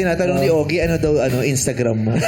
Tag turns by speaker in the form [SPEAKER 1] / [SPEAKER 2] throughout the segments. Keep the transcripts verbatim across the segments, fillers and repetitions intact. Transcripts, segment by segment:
[SPEAKER 1] tinatanong ni Ogie, ano daw, ano, Instagram mo?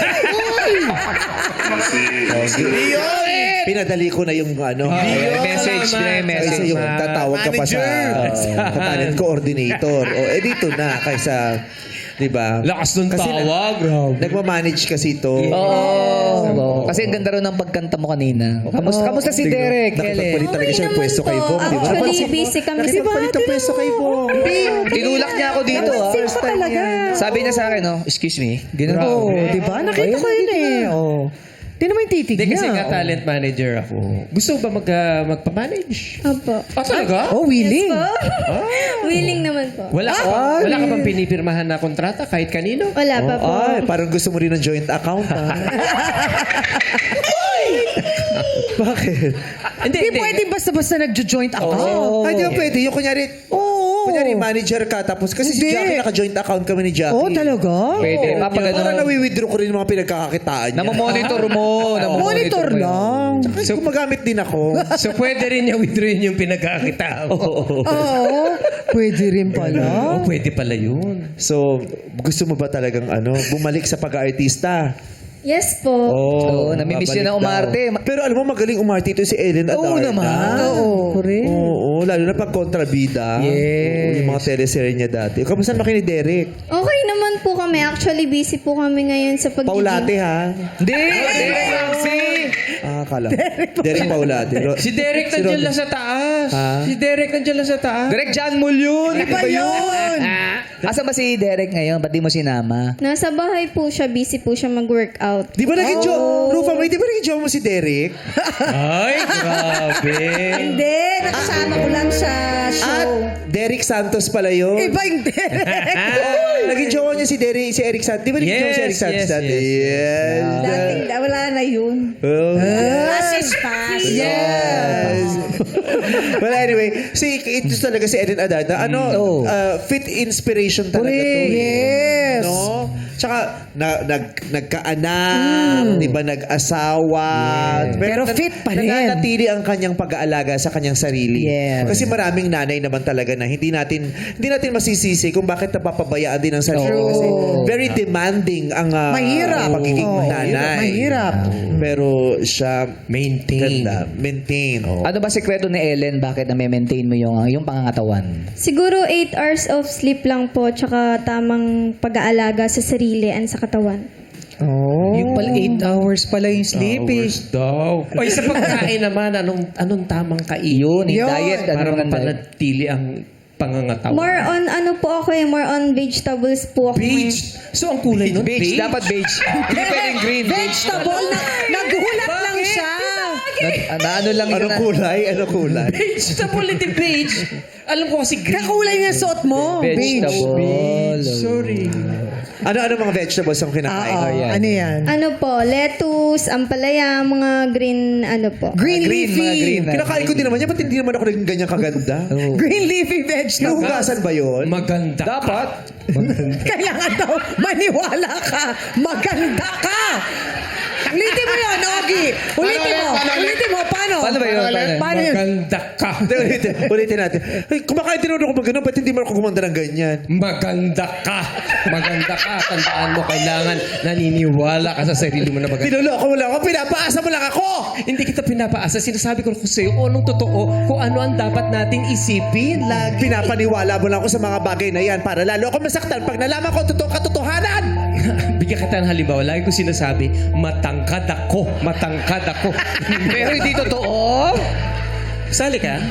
[SPEAKER 1] Ogie. Pinadali ko na yung, ano,
[SPEAKER 2] message, message.
[SPEAKER 1] Kaysa yung tatawag ka pa sa, uh, talent coordinator. O, eh, dito na, kaysa, di ba?
[SPEAKER 3] Lakas ng tawag.
[SPEAKER 1] Nagmamanage kasi ito.
[SPEAKER 2] Oo. Kasi ang ganda rin ng pagkanta mo kanina. Kamusta, kamusta si Derek?
[SPEAKER 1] Nakipagpalit talaga siya ng pwesto kay Bong, di ba?
[SPEAKER 4] Actually, busy kami si
[SPEAKER 1] Nakipagpalit ng pwesto kay Bong.
[SPEAKER 2] Tinulak niya ako dito. ah.
[SPEAKER 4] First time talaga.
[SPEAKER 2] Sabi niya sa akin, oh, excuse me. Ganun
[SPEAKER 5] Oo,
[SPEAKER 2] po.
[SPEAKER 5] di ba? Nakita ko yun eh. Oh. Di naman yung titig
[SPEAKER 3] Hindi kasi
[SPEAKER 5] niya.
[SPEAKER 3] nga talent manager ako. Gusto ba mag, uh, magpa-manage?
[SPEAKER 4] Opo.
[SPEAKER 3] Ah, talaga?
[SPEAKER 5] Oh, willing.
[SPEAKER 4] Willing naman po.
[SPEAKER 3] Wala ka ba, wala ka bang pinipirmahan na kontrata kahit kanino?
[SPEAKER 4] Wala pa po.
[SPEAKER 1] Ay, parang gusto mo rin ng joint account, ha? Bakit?
[SPEAKER 3] Hindi,
[SPEAKER 5] Di pwede basta-basta nagjo-joint account.
[SPEAKER 1] Oh. Ay, di ba pwede? Yung kunyari,
[SPEAKER 5] Oo.
[SPEAKER 1] kunyari manager ka, tapos kasi si
[SPEAKER 5] Hindi.
[SPEAKER 1] Jackie, naka-joint account kami ni Jackie.
[SPEAKER 5] Oh, talaga?
[SPEAKER 2] Pwede. Kapag
[SPEAKER 1] Parang
[SPEAKER 2] ano,
[SPEAKER 1] nawi-withdraw ko rin yung mga pinagkakakitaan niya.
[SPEAKER 2] namomonitor mo.
[SPEAKER 5] Monitor
[SPEAKER 2] mo yun.
[SPEAKER 5] lang.
[SPEAKER 1] Kasi gumagamit din ako.
[SPEAKER 3] So pwede rin niya withdrawin yung pinagkakita mo.
[SPEAKER 5] Oo. Pwede rin pala.
[SPEAKER 3] Oh, pwede pala yun.
[SPEAKER 1] So, gusto mo ba talagang ano, bumalik sa pag-artista?
[SPEAKER 4] Yes po.
[SPEAKER 2] Oo, namimiss
[SPEAKER 1] babalik
[SPEAKER 2] niya na umarte.
[SPEAKER 1] daw. Pero alam mo, magaling umarte ito si Ellen Adarna.
[SPEAKER 2] Oo naman.
[SPEAKER 5] Oo. Correct.
[SPEAKER 1] Oo, lalo na pag kontrabida.
[SPEAKER 2] Yes.
[SPEAKER 1] Oo, yung mga teleserye niya dati. Kamusta naman kayo ni Derek?
[SPEAKER 4] Okay naman po kami. Actually, busy po kami ngayon sa pagiging...
[SPEAKER 1] Paulate, ha?
[SPEAKER 2] Hindi. Derek Ramsey.
[SPEAKER 1] Ah, kala. Derek Paulate. Ro-
[SPEAKER 3] Si Derek
[SPEAKER 1] si
[SPEAKER 3] nandiyan
[SPEAKER 1] Ron-
[SPEAKER 3] lang sa taas.
[SPEAKER 1] Ha?
[SPEAKER 3] Si Derek nandiyan lang sa taas.
[SPEAKER 2] Derek John Mull yun.
[SPEAKER 5] Iba yun.
[SPEAKER 2] Asan ba si Derek ngayon? Ba't di mo sinama?
[SPEAKER 4] Nasa bahay po siya. Busy po siya mag-workout.
[SPEAKER 1] Di ba naging jo? Rufa, may di ba naging jowa mo si Derek?
[SPEAKER 3] Ay, grabe.
[SPEAKER 5] Hindi. Nakasama ko lang sa
[SPEAKER 1] At
[SPEAKER 5] show.
[SPEAKER 1] Derek Santos pala yun.
[SPEAKER 5] Iba yung Derek.
[SPEAKER 1] Naging jowa niya si Derek, si Eric Santos. Di ba naging jowa si Eric
[SPEAKER 3] Yes,
[SPEAKER 1] Santos
[SPEAKER 3] yes,
[SPEAKER 1] dati?
[SPEAKER 3] yes,
[SPEAKER 1] Yes.
[SPEAKER 5] Dating, wala na yun.
[SPEAKER 1] Oh.
[SPEAKER 5] Pass is pass.
[SPEAKER 1] Yes. Well, anyway, si ito talaga si Ellen Adarna. Ano,
[SPEAKER 2] Oh.
[SPEAKER 1] uh, fit inspiration talaga to.
[SPEAKER 5] Yes.
[SPEAKER 1] No? Tsaka, na, nag, nagkaanak, di ba, nag-asawa.
[SPEAKER 5] Pero fit pa rin.
[SPEAKER 1] Nananatili ang kanyang pag-aalaga sa kanyang sarili.
[SPEAKER 5] Yes.
[SPEAKER 1] Kasi maraming nanay naman talaga na hindi natin hindi natin masisisi kung bakit napapabayaan din ang sarili.
[SPEAKER 5] True.
[SPEAKER 1] Kasi very demanding ang uh,
[SPEAKER 5] Mahirap.
[SPEAKER 1] pagiging
[SPEAKER 5] Oo.
[SPEAKER 1] nanay.
[SPEAKER 5] Mahirap.
[SPEAKER 1] Pero siya
[SPEAKER 3] Maintain.
[SPEAKER 1] ganda. Maintain. Oh.
[SPEAKER 2] Ano ba sekreto ni Ellen? Bakit na-maintain mo yung, yung pangangatawan?
[SPEAKER 4] Siguro eight hours of sleep lang po. Tsaka tamang pag-aalaga sa sarili and sa katawan.
[SPEAKER 5] Oh.
[SPEAKER 2] Yung pala eight hours pala yung sleep eh.
[SPEAKER 3] Hours daw. O sa pagkain naman, anong anong tamang kain?
[SPEAKER 2] Yun, yung
[SPEAKER 5] Yun.
[SPEAKER 2] diet. Ano
[SPEAKER 3] Para
[SPEAKER 2] naman diet?
[SPEAKER 3] mapanatili ang pangangatawan.
[SPEAKER 4] More on ano po ako eh. More on vegetables po ako.
[SPEAKER 3] Beige. So, ang kulay nun?
[SPEAKER 2] Beige. Dapat beige. Hindi pwedeng green.
[SPEAKER 5] Vegetable. Na, nagulat lang siya.
[SPEAKER 2] Na, na ano lang yun
[SPEAKER 1] Anong
[SPEAKER 2] na-
[SPEAKER 1] kulay? Anong kulay?
[SPEAKER 3] Beige. Sa politi beige. Alam ko kasi green.
[SPEAKER 5] Kakulay niya suot mo.
[SPEAKER 2] Vegetable.
[SPEAKER 3] Sorry.
[SPEAKER 1] Ano-ano mga vegetables ang kinakain?
[SPEAKER 5] Oo.
[SPEAKER 2] yan.
[SPEAKER 5] Ano yan?
[SPEAKER 4] Ano po, lettuce, ampalaya, mga green, ano po.
[SPEAKER 5] Green,
[SPEAKER 2] Green,
[SPEAKER 5] leafy.
[SPEAKER 2] mga green.
[SPEAKER 1] Kinakain ko din naman yan. Ba't hindi naman ako naging ganyan kaganda?
[SPEAKER 5] Green leafy vegetable.
[SPEAKER 1] Hinuhugasan ba yun?
[SPEAKER 3] Maganda.
[SPEAKER 2] Dapat.
[SPEAKER 5] Kailangan daw maniwala ka. Maganda ka. Ulitin mo yun, Ogie. Ulitin mo. Ulitin mo. Paano?
[SPEAKER 2] Paano ba yun? Paano?
[SPEAKER 5] Paano yun?
[SPEAKER 3] Maganda ka.
[SPEAKER 1] Hindi, ulitin, ulitin natin. Ay, kumakain din ako mag gano'n. Ba't hindi mo ako gumanda ng ganyan?
[SPEAKER 3] Maganda ka. Maganda ka. Tandaan mo, kailangan naniniwala ka sa sarili mo na maganda.
[SPEAKER 1] Pinuloko mo lang ako. Pinapaasa mo lang ako.
[SPEAKER 3] Hindi kita pinapaasa. Sinasabi ko kung sa'yo kung anong totoo, kung ano ang dapat nating isipin. Lagi.
[SPEAKER 1] Pinapaniwala mo lang ako sa mga bagay na yan para lalo ako masaktan pag nalaman ko ang totoo katotohanan.
[SPEAKER 3] Bigyan kita ng halimbawa. Lagi ko sinasabi, matangkad ako. Matangkad ako.
[SPEAKER 2] Pero hindi totoo.
[SPEAKER 3] Sali ka?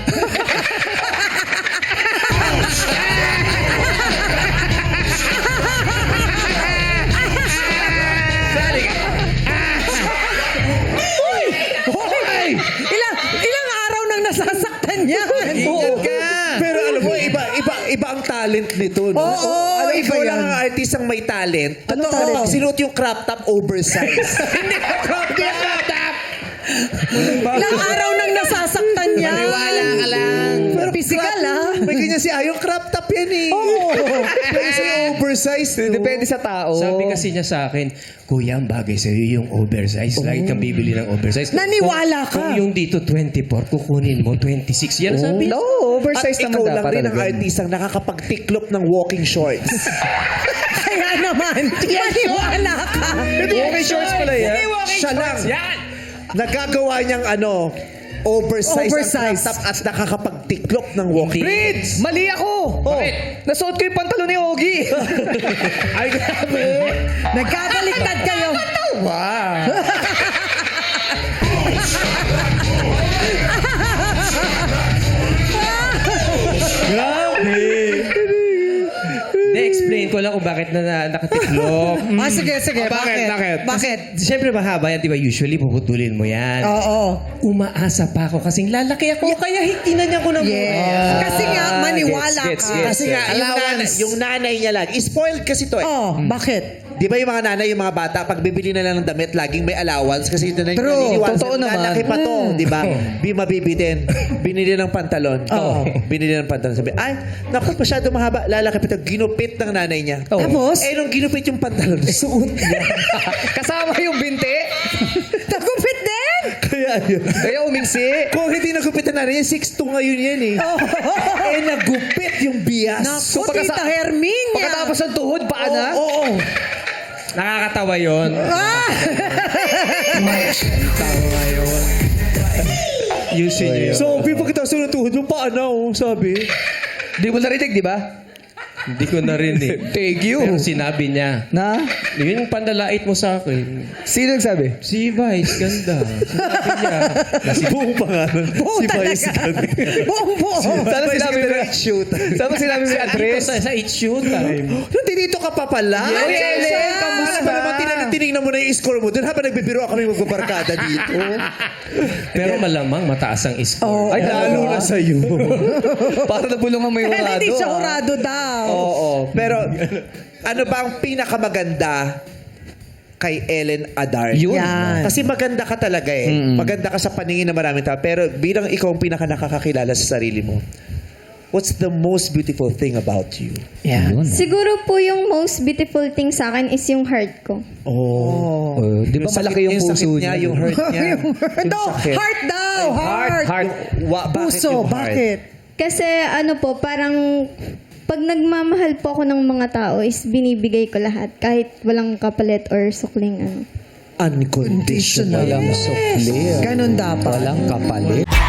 [SPEAKER 5] Hoy! Ilang, ilang araw nang nasasaktan yan.
[SPEAKER 3] Ingat ka.
[SPEAKER 1] Pero alam mo, iba, iba, iba ang talent nito. No?
[SPEAKER 5] Oo,
[SPEAKER 1] alam,
[SPEAKER 5] iba
[SPEAKER 1] ikaw
[SPEAKER 5] yan.
[SPEAKER 1] lang ang artist ang may talent.
[SPEAKER 5] Ano
[SPEAKER 1] Totoo,
[SPEAKER 5] talent?
[SPEAKER 1] pag sinuot yung crop top, oversize.
[SPEAKER 3] Hindi ka crop top.
[SPEAKER 5] Ilang araw nang nasasaktan yan.
[SPEAKER 3] Maniwala ka lang.
[SPEAKER 5] Pero physical, ah.
[SPEAKER 1] May ganyan si Ayong crop top yan eh.
[SPEAKER 5] Oo.
[SPEAKER 1] Pero siya oversize. No?
[SPEAKER 2] Depende sa tao.
[SPEAKER 3] Sabi kasi niya sa akin, Kuya, ang bagay sa'yo yung oversize. Lagi kang bibili ng oversize.
[SPEAKER 5] Naniwala
[SPEAKER 3] Kung,
[SPEAKER 5] ka.
[SPEAKER 3] kung yung dito twenty-four, kukunin mo twenty-six. Yan ang sabi.
[SPEAKER 2] No,
[SPEAKER 1] At
[SPEAKER 2] oversize
[SPEAKER 1] ikaw
[SPEAKER 2] naman
[SPEAKER 1] lang
[SPEAKER 2] dapat.
[SPEAKER 1] rin ang
[SPEAKER 2] talaga.
[SPEAKER 1] artist ang nakakapagtiklop ng walking shorts.
[SPEAKER 5] Kaya naman, maniwala ka.
[SPEAKER 2] Walking shorts pala yan.
[SPEAKER 1] Siya lang. Nagagawa niyang ano, oversize,
[SPEAKER 5] Oversize.
[SPEAKER 1] ang crop top at nakakapagtiklop ng walking.
[SPEAKER 2] Prince! Mali ako!
[SPEAKER 1] Oh.
[SPEAKER 2] Nasuot ko yung pantalon ni Ogie.
[SPEAKER 1] Ay, grabe.
[SPEAKER 5] Nagkabaliktad kayo.
[SPEAKER 1] Wow. Grabe.
[SPEAKER 3] Na-explain ko lang kung bakit na, na nakatiklop.
[SPEAKER 5] Ah, sige, sige.
[SPEAKER 3] Oh, bakit? Bakit?
[SPEAKER 5] Bakit?
[SPEAKER 3] Siyempre mahaba yan, di ba? Usually puputulin mo yan.
[SPEAKER 5] Oo.
[SPEAKER 3] Umaasa pa ako kasing lalaki ako, kaya hitinanyan ko ng
[SPEAKER 5] Yes. Kasi nga, maniwala
[SPEAKER 2] Gets, gets,
[SPEAKER 5] ka.
[SPEAKER 2] gets.
[SPEAKER 1] Kasi nga, yung nanay,
[SPEAKER 2] Allowance.
[SPEAKER 1] yung nanay niya lang. Spoiled kasi to eh.
[SPEAKER 5] Oh, bakit?
[SPEAKER 1] Di ba yung mga nanay, yung mga bata, pag bibili na lang ng damit, laging may allowance kasi ito na yung
[SPEAKER 5] True.
[SPEAKER 1] naniniwala.
[SPEAKER 2] Totoo naman.
[SPEAKER 1] Lalaki pa to, di ba? Bi mabibitin. Binili ng pantalon.
[SPEAKER 5] Oo.
[SPEAKER 1] Binili ng pantalon. Sabi, ay, naku, masyado mahaba. Lalaki pa to. Ginupit ng nanay niya.
[SPEAKER 2] Oh.
[SPEAKER 5] Tapos,
[SPEAKER 1] Eh, nung ginupit yung pantalon, suot niya.
[SPEAKER 2] Kasama yung binti.
[SPEAKER 5] nagupit din.
[SPEAKER 1] Kaya yun.
[SPEAKER 2] Kaya umingsi.
[SPEAKER 1] Kung hindi nagupit ng nanay niya, six two ngayon yan eh. Eh, nagupit yung bias.
[SPEAKER 5] Naku,
[SPEAKER 2] pagkasa-
[SPEAKER 5] Tita Herminia.
[SPEAKER 2] Pagkatapos ng tuhod, paa na.
[SPEAKER 1] Oo, oo.
[SPEAKER 3] Nakakatawa yun.
[SPEAKER 5] Ah!
[SPEAKER 3] Tawa yun. Yusin nyo yun.
[SPEAKER 1] Sabi, pagkatapos ng tuhod mo, paano? Sabi.
[SPEAKER 2] Di mo narinig, di ba?
[SPEAKER 3] Hindi ko narinig.
[SPEAKER 2] Thank you.
[SPEAKER 3] Pero sinabi niya,
[SPEAKER 2] Na?
[SPEAKER 3] yun yung pandalait mo sa akin.
[SPEAKER 2] Sino nagsabi?
[SPEAKER 3] Si Vice, ganda. Sinabi niya.
[SPEAKER 1] Si buong pangalan.
[SPEAKER 5] Buo
[SPEAKER 1] si
[SPEAKER 5] talaga.
[SPEAKER 1] Vice Ganda.
[SPEAKER 5] Buong buo.
[SPEAKER 2] Sana
[SPEAKER 1] Vice
[SPEAKER 2] sinabi
[SPEAKER 1] Ganda
[SPEAKER 2] mo
[SPEAKER 1] na shoot.
[SPEAKER 2] Sana sinabi mo yung
[SPEAKER 3] Dito
[SPEAKER 2] address?
[SPEAKER 3] sa, sa It's Showtime.
[SPEAKER 1] Hindi dito ka pa pala.
[SPEAKER 2] Yes,
[SPEAKER 1] Ay,
[SPEAKER 2] yes,
[SPEAKER 1] Ellen,
[SPEAKER 2] yes.
[SPEAKER 1] kamusta? Para naman tinanong- tinignan mo na yung score mo. Doon habang nagbibiro kami magbabarkada dito.
[SPEAKER 3] Pero malamang mataas ang score.
[SPEAKER 5] Oo.
[SPEAKER 2] Ay,
[SPEAKER 1] Lalo na sa'yo.
[SPEAKER 2] Para nabulungan mo yung
[SPEAKER 5] Kaya
[SPEAKER 2] hurado.
[SPEAKER 5] hindi siya
[SPEAKER 2] ah.
[SPEAKER 5] hurado daw.
[SPEAKER 1] Oo. Pero ano ba ang pinakamaganda kay Ellen Adarn?
[SPEAKER 2] Yun.
[SPEAKER 5] Yan.
[SPEAKER 1] Kasi maganda ka talaga eh. Maganda ka sa paningin ng maraming tao. Pero bilang ikaw ang pinaka nakakakilala sa sarili mo, what's the most beautiful thing about you?
[SPEAKER 2] Yun.
[SPEAKER 4] Siguro po yung most beautiful thing sa akin is yung heart ko.
[SPEAKER 1] Oh.
[SPEAKER 2] Oh, di ba
[SPEAKER 1] Yung sakit-
[SPEAKER 2] malaki yung
[SPEAKER 1] sakit
[SPEAKER 2] puso
[SPEAKER 1] niya?
[SPEAKER 2] niya?
[SPEAKER 1] Yung hurt niya.
[SPEAKER 5] Yung heart.
[SPEAKER 1] Yung
[SPEAKER 5] No,
[SPEAKER 1] sakit.
[SPEAKER 5] heart daw. Heart.
[SPEAKER 2] Heart.
[SPEAKER 1] Wa, bakit
[SPEAKER 5] Puso,
[SPEAKER 1] yung heart?
[SPEAKER 5] bakit?
[SPEAKER 4] Kasi ano po, parang pag nagmamahal po ako ng mga tao is binibigay ko lahat kahit walang kapalit or sukling ano.
[SPEAKER 1] Unconditional.
[SPEAKER 2] Walang sukli.
[SPEAKER 5] Ganon dapat.
[SPEAKER 2] Walang kapalit.